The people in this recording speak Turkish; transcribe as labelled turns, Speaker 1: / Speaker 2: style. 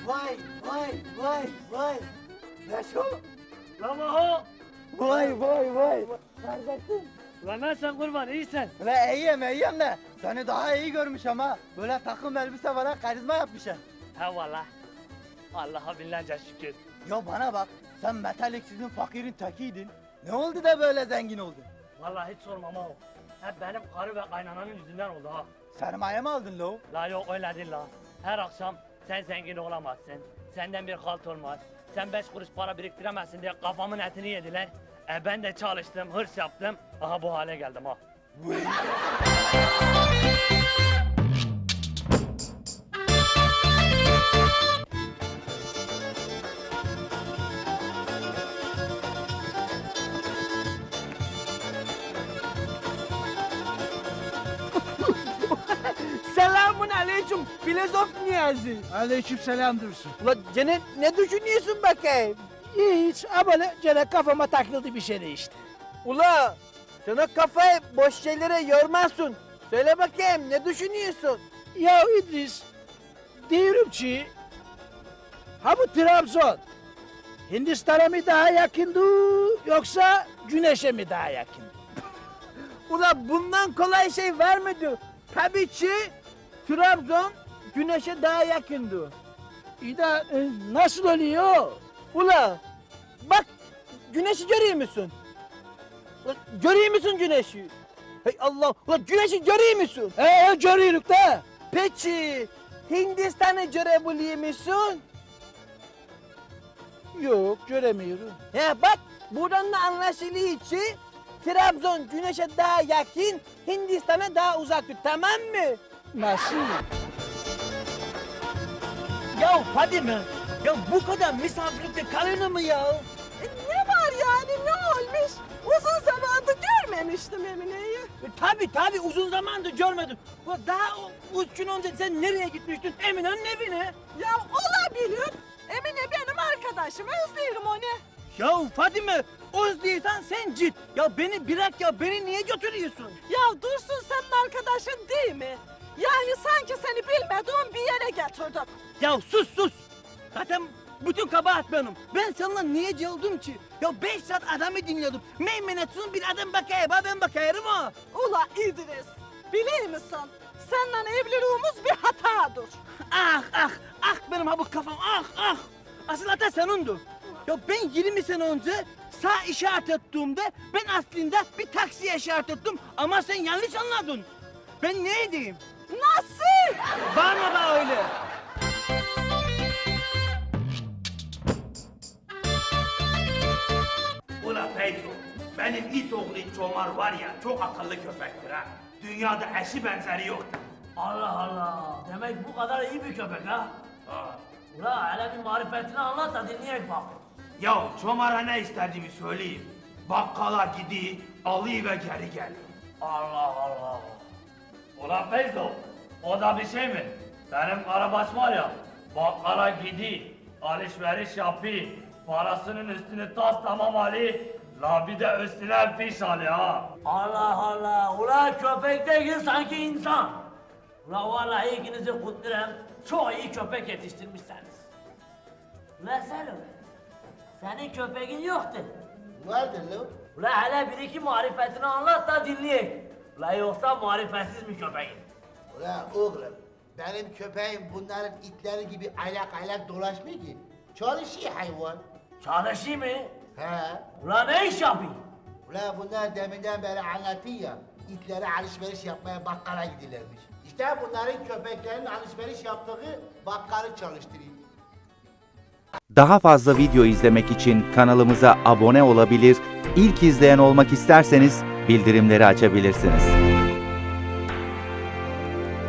Speaker 1: Vay vay vay vay. Ne şu?
Speaker 2: Lan Maho!
Speaker 1: Vay vay vay. Neredesin?
Speaker 2: Lan nasılsın kurban iyisin?
Speaker 1: Ve iyiyim de seni daha iyi görmüş ama böyle takım elbise var, karizma yapmışsın.
Speaker 2: He valla. Allah'a binlerce şükür.
Speaker 1: Ya bana bak, sen metaliksizin fakirin tekiydin. Ne oldu da böyle zengin oldun?
Speaker 2: Vallahi hiç sorma Maho. Hep benim karı ve kaynananın yüzünden oldu ha.
Speaker 1: Sermaye mi aldın lo?
Speaker 2: La yok öyle değil la. Her akşam sen zengin olamazsın. Senden bir halt olmaz. Sen 5 kuruş para biriktiremezsin diye kafamın etini yediler. Ben de çalıştım, hırs yaptım. Aha bu hale geldim ha.
Speaker 3: Selamun aleyküm filozof Niyazi.
Speaker 4: Aleykümselam Dursun.
Speaker 3: Ulan gene ne düşünüyorsun bakayım?
Speaker 4: Hiç böyle gene kafama takıldı bir şey işte.
Speaker 3: Ula sana kafayı boş şeylere yormazsın. Söyle bakayım ne düşünüyorsun?
Speaker 4: Ya İdris, diyorum ki ha bu Trabzon Hindistan'a mı daha yakındı yoksa Güneş'e mi daha yakın?
Speaker 3: Ula bundan kolay şey var mıydı? Tabii ki Trabzon güneşe daha yakındı.
Speaker 4: İyi de nasıl oluyor?
Speaker 3: Ula bak güneşi görüyor musun? Ula, görüyor musun güneşi? Hey Allah, ula güneşi görüyor musun?
Speaker 4: Görüyoruz da.
Speaker 3: Peki Hindistan'ı görebiliyor musun?
Speaker 4: Yok göremiyorum.
Speaker 3: He bak buradan da anlaşılıyor ki Trabzon güneşe daha yakın, Hindistan'a daha uzaktır, tamam mı?
Speaker 4: Nasıl?
Speaker 3: Ya Fadime, ya bu kadar misafirlikte kalır mı ya?
Speaker 5: Ne var yani ne olmuş? Uzun zamandır görmemiştim Emine'yi.
Speaker 3: Tabii uzun zamandır görmedim. Ya daha 3 gün önce sen nereye gitmiştin? Emine'nin evine.
Speaker 5: Ya olabilir. Emine benim arkadaşım, özlerim onu.
Speaker 3: Ya Fadime, özlüyorsan sen git. Ya beni bırak ya, beni niye götürüyorsun?
Speaker 5: Ya Dursun senin arkadaşın değil mi? Yani sanki seni bilmediğim bir yere getirdim.
Speaker 3: Ya sus! Zaten bütün kabahat benim. Ben seninle niye geldim ki? Ya 5 saat adamı dinliyordum. Meymenetsiz bir adam bakayım, ben bakayım ha.
Speaker 5: Ula İdris, biliyor musun? Seninle evliliğimiz bir hatadır.
Speaker 3: Ah benim ha bu kafam, ah. Asıl hata senindir. Ya ben 20 sene önce sağ işaret ettiğimde ben aslında bir taksiye işaret ettim ama sen yanlış anladın. Ben ne edeyim?
Speaker 5: Nasıl?
Speaker 3: Bağırma da öyle.
Speaker 6: Ulan Feyzo, benim it oğlu Çomar var ya çok akıllı köpektir ha. Dünyada eşi benzeri yoktur.
Speaker 2: Allah Allah. Demek bu kadar iyi bir köpek ha.
Speaker 6: Ha.
Speaker 2: Ula hele bir marifetini anlat da dinleyek bak.
Speaker 6: Ya Çomar'a ne istediğimi söyleyeyim. Bakkala gidiyor, alıyor ve geri geliyor.
Speaker 2: Allah Allah. Ulan Feyzo, o da bir şey mi? Benim karabaş var ya, bakkala gidiyor, alışveriş yapıyor, parasının üstünü tas tamam alıyor, la bir de üstüne fiş alıyor ha. Allah Allah, ulan köpek değil sanki insan. Ulan vallahi ikinizi kutlarım, çok iyi köpek yetiştirmişsiniz. Ulan Selim, senin köpeğin yoktu.
Speaker 1: Vardır lo.
Speaker 2: Ulan hele bir iki marifetini anlat da dinleyek. Ulan yoksa marifetsiz mi köpeğin?
Speaker 7: Ulan oğlum, benim köpeğim bunların itleri gibi aylak dolaşmıyor ki. Çalışıyor hayvan.
Speaker 2: Çalışıyor mu?
Speaker 7: He.
Speaker 2: Ulan ne iş yapıyor?
Speaker 7: Ulan bunlar deminden beri anlatıyor ya, itlere alışveriş yapmaya bakkala gidilermiş. İşte bunların köpeklerin alışveriş yaptığı bakkalı çalıştırıyor.
Speaker 8: Daha fazla video izlemek için kanalımıza abone olabilir, ilk izleyen olmak isterseniz bildirimleri açabilirsiniz.